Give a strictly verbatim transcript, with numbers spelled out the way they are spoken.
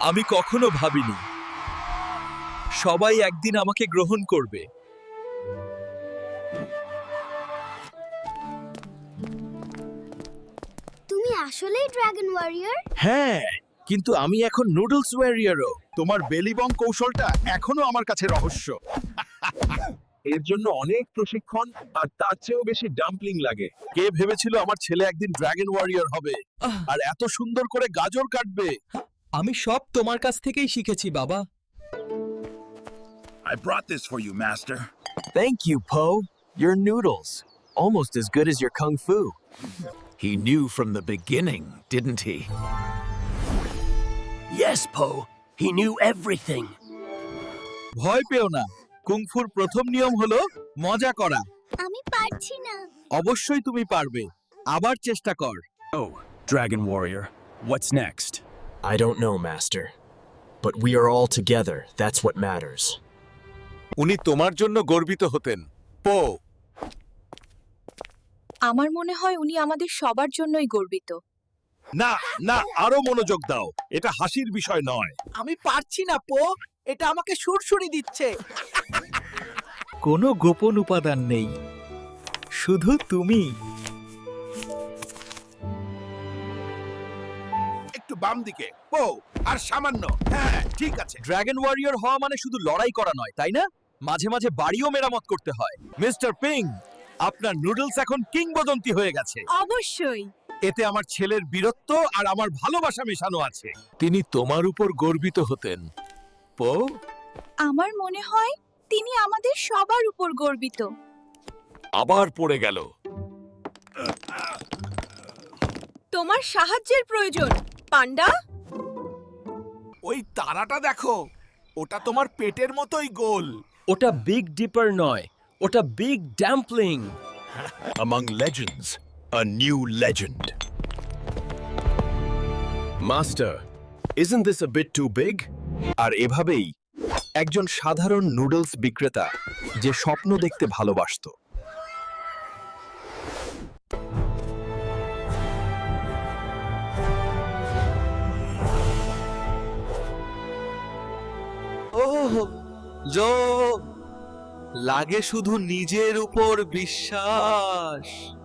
আমি কখনো ভাবিনি সবাই একদিন আমাকে গ্রহণ করবে। তুমি আসলেই ড্রাগন ওয়ারিয়র? হ্যাঁ, কিন্তু আমি এখন নুডলস ওয়ারিয়রও। তোমার বেলিবং কৌশলটা এখনো আমার কাছে রহস্য। এর জন্য অনেক প্রশিক্ষণ আর তার চেয়েও বেশি ডাম্পলিং লাগে। কে ভেবেছিল আমার ছেলে একদিন ড্রাগন ওয়ারিয়র হবে আর এত সুন্দর করে গাজর কাটবে? আমি সব তোমার কাছ থেকেই শিখেছি বাবা। I brought this for you, master. Thank you, Poe. Your noodles, almost as good as your kung fu. He knew from the beginning, didn't he? Yes, Poe. He knew everything. ভয় পেও না, কুংফুর প্রথম নিয়ম হলো মজা করা। আমি পারছি না। অবশ্যই তুমি পারবে, আবার চেষ্টা কর। Oh, Dragon Warrior, what's next? I don't know, Master. But we are all together. That's what matters. উনি তোমার জন্য গর্বিত হতেন, পো। আমার মনে হয় উনি আমাদের সবার জন্যই গর্বিত। না না, আরো মনোযোগ দাও, এটা হাসির বিষয় নয়। আমি পারছি না পো, এটা আমাকে সুরসুরি দিচ্ছে। কোনো গোপন উপাদান নেই, শুধু তুমি। একটু বাম দিকে, পো, আর সামান্য। হ্যাঁ, ঠিক আছে। ড্রাগন ওয়ারিয়র হওয়া মানে শুধু লড়াই করা নয়, তাই না? মাঝে মাঝে বাড়িও মেরামত করতে হয়। মিস্টার পিং, আপনার নুডলস এখন কিংবদন্তি হয়ে গেছে। অবশ্যই। এতে আমার ছেলের বীরত্ব আর আমার ভালোবাসা মেশানো আছে। তিনি তোমার উপর গর্বিত হতেন, পো। আমার মনে হয় তিনি আমাদের সবার উপর গর্বিত। আবার পড়ে গেল। তোমার সাহায্যের প্রয়োজন, পান্ডা। ওই তারাটা দেখো, ওটা তোমার পেটের মতোই গোল। ওটা বিগ ডিপার নয়, ওটা big dumpling. Among legends, a new legend. Master, isn't this a bit too big? আর এভাবেই একজন সাধারণ নুডলস বিক্রেতা যে স্বপ্ন দেখতে ভালোবাসতো, ওহ জো লাগে শুধু নিজের উপর বিশ্বাস।